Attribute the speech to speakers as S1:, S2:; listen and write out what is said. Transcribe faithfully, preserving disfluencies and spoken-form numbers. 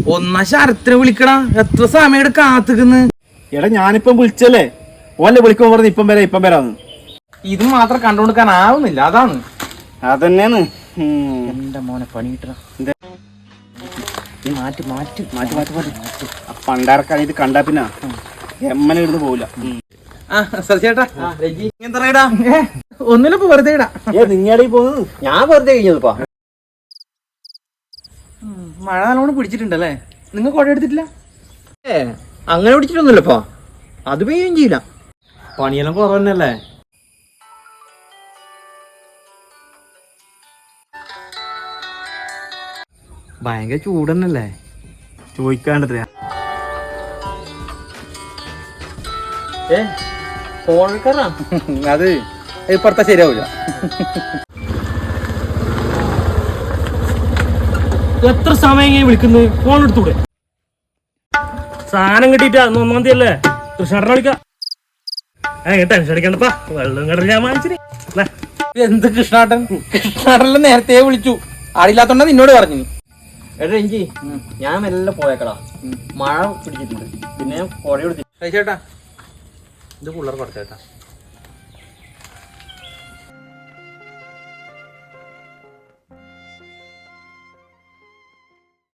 S1: ഒന്നാ ശരത്തിനെ വിളിക്കടാ. എത്ര സമയം കാത്തുക്കുന്നു.
S2: എടാ ഞാനിപ്പം വിളിച്ചല്ലേ, ഓല്ലേ വിളിക്കുമ്പോ പറഞ്ഞു ഇപ്പം വരാ ഇപ്പം വരാന്ന്.
S1: ഇത് മാത്രം കണ്ടുകൊടുക്കാൻ ആവുന്നില്ല, അതാണ്.
S2: അതന്നെയാണ്
S1: എന്റെ മോനെ പണി കിട്ടണം. മാറ്റി മാറ്റി
S2: മാറ്റി മാറ്റി മാറ്റി പണ്ടാർക്കാണ് ഇത് കണ്ടാ പിന്നെ എമ്മനെ ഇടുന്ന് പോവില്ല.
S1: ചേട്ടാ ഒന്നിലിപ്പോ വെറുതെ ഇടാ.
S2: നിങ്ങളുടെ പോകുന്നത് ഞാൻ വെറുതെ കഴിഞ്ഞതിപ്പാ.
S1: മഴ നല്ലോണം പിടിച്ചിട്ടുണ്ടല്ലേ? നിങ്ങൾ കുട എടുത്തിട്ടില്ല?
S2: ഏ അങ്ങനെ പിടിച്ചിട്ടൊന്നുമില്ലപ്പാ, അത് പെയ്യുകയും ചെയ്യില്ല. പണിയെല്ലാം കുറവന്നല്ലേ.
S1: ഭയങ്കര ചൂടന്നല്ലേ?
S2: ചോദിക്കാണ്ടത്രയാ.
S1: അത് ഇപ്പുറത്തെ ശരിയാവൂല.
S3: എത്ര സമയം ഇങ്ങനെ വിളിക്കുന്നത്? ഫോൺ എടുത്തൂടെ? സാധനം കിട്ടിയിട്ടാ ഒന്നാം തീയതി അല്ലേ? കൃഷ്ണേട്ടനെ വിളിക്കാം. ഏ ടെൻഷൻ അടിക്കണ്ടപ്പാ, വെള്ളം കടൽ ഞാൻ വാങ്ങിച്ചിന്.
S1: എന്ത് കൃഷ്ണാട്ടൻ? കൃഷ്ണാട്ടനെ നേരത്തെ വിളിച്ചു, ആടില്ലാത്തോണ്ടാ നിന്നോട് പറഞ്ഞു.
S2: എടാ എഞ്ചി ഞാൻ മെല്ലെ പോയേക്കടാ, മഴ പിടിച്ചിട്ടുണ്ട്. പിന്നെ പുഴ
S1: ചേട്ടാ ഇത് പിള്ളേർ പഠിച്ചേട്ടാ.